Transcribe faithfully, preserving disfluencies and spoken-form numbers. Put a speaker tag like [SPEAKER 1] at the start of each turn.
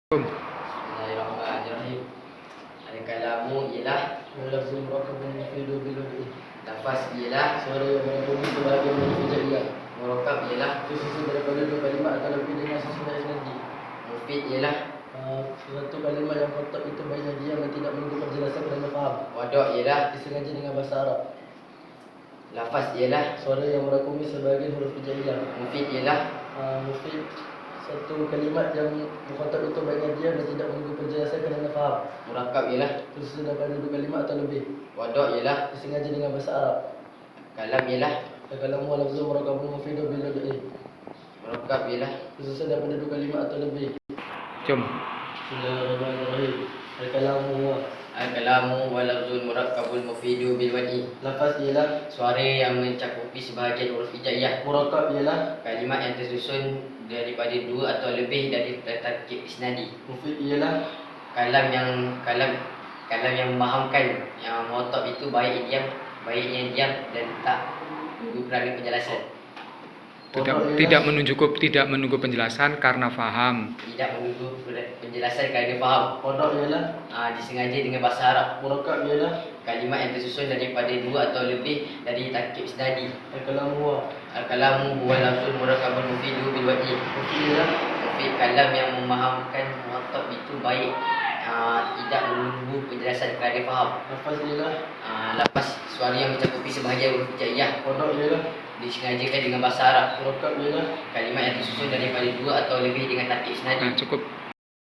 [SPEAKER 1] Bismillahirrahmanirrahim. Al-kalamu ialah
[SPEAKER 2] Lafzul murakkabun mufidu bil wad'i.
[SPEAKER 1] lafaz ialah
[SPEAKER 2] Suara yang mengandungi sebahagian huruf hijaiyah.
[SPEAKER 1] murakkab ialah
[SPEAKER 2] Tersusun daripada dua kalimat atau lebih dengan susunan isnadi.
[SPEAKER 1] mufid ialah
[SPEAKER 2] Uh, Satu kalimat yang kotak itu baiknya diam dan tidak menunggu penjelasan kerana faham.
[SPEAKER 1] wadok ialah
[SPEAKER 2] Disengaja dengan bahasa Arab.
[SPEAKER 1] lafaz ialah
[SPEAKER 2] Suara yang merangkumi sebahagian huruf hijaiyah.
[SPEAKER 1] mufid ialah
[SPEAKER 2] Uh, mufid satu kalimat yang mukhatab itu baiknya diam dan tidak menunggu penjelasan kerana faham.
[SPEAKER 1] murakkab ialah
[SPEAKER 2] Tersusun daripada dua kalimat atau lebih.
[SPEAKER 1] wadok ialah
[SPEAKER 2] Disengaja dengan bahasa Arab.
[SPEAKER 1] kalam ialah
[SPEAKER 2] Al-kalamu lafzul murakkabun mufidu bil wad'i.
[SPEAKER 1] murakkab ialah
[SPEAKER 2] Tersusun daripada dua kalimat atau lebih.
[SPEAKER 3] Jom.
[SPEAKER 2] Bismillahirrahmanirrahim. Al-kalamu huwa.
[SPEAKER 1] al-kalamu wa lafzul murakkabul mufidu bil wad'i.
[SPEAKER 2] Lafaz ialah.
[SPEAKER 1] Suara yang mencakupi sebahagian huruf hijaiyah.
[SPEAKER 2] Murakkab ialah.
[SPEAKER 1] Kalimat yang tersusun daripada dua atau lebih dari tarkib isnadi.
[SPEAKER 2] Mufid ialah.
[SPEAKER 1] Kalam yang kalam kalam yang memahamkan, yang mukhatab itu baik diam, baiknya diam dan tak menunggu kerana penjelasan.
[SPEAKER 3] Tidak,
[SPEAKER 2] Pondok
[SPEAKER 3] tidak
[SPEAKER 2] ialah.
[SPEAKER 3] menunjuk tidak menunggu penjelasan karena faham.
[SPEAKER 1] Tidak menunggu penjelasan kerana faham.
[SPEAKER 2] Pondok ialah.
[SPEAKER 1] Ha, disengaja dengan bahasa Arab.
[SPEAKER 2] Murakkab ialah.
[SPEAKER 1] Kalimat yang tersusun daripada dua atau lebih dari tarkib isnadi.
[SPEAKER 2] Al-kalamu huwa.
[SPEAKER 1] Al-kalamu huwa lafzul murakkabun mufidu bil wad'i.
[SPEAKER 2] Mufid ialah.
[SPEAKER 1] Mufid kalam yang memahamkan mukhatab itu baik, ha, tidak menunggu penjelasan kerana faham.
[SPEAKER 2] Lafaz ialah.
[SPEAKER 1] Ha, lepas suara yang mencakupi sebahagian huruf hijaiyah
[SPEAKER 2] Pondok ialah.
[SPEAKER 1] disengajakan dengan bahasa Arab.
[SPEAKER 2] Murakkab ialah.
[SPEAKER 1] Kalimat yang tersusun daripada dua atau lebih dengan tarkib isnadi.
[SPEAKER 3] Nah, cukup.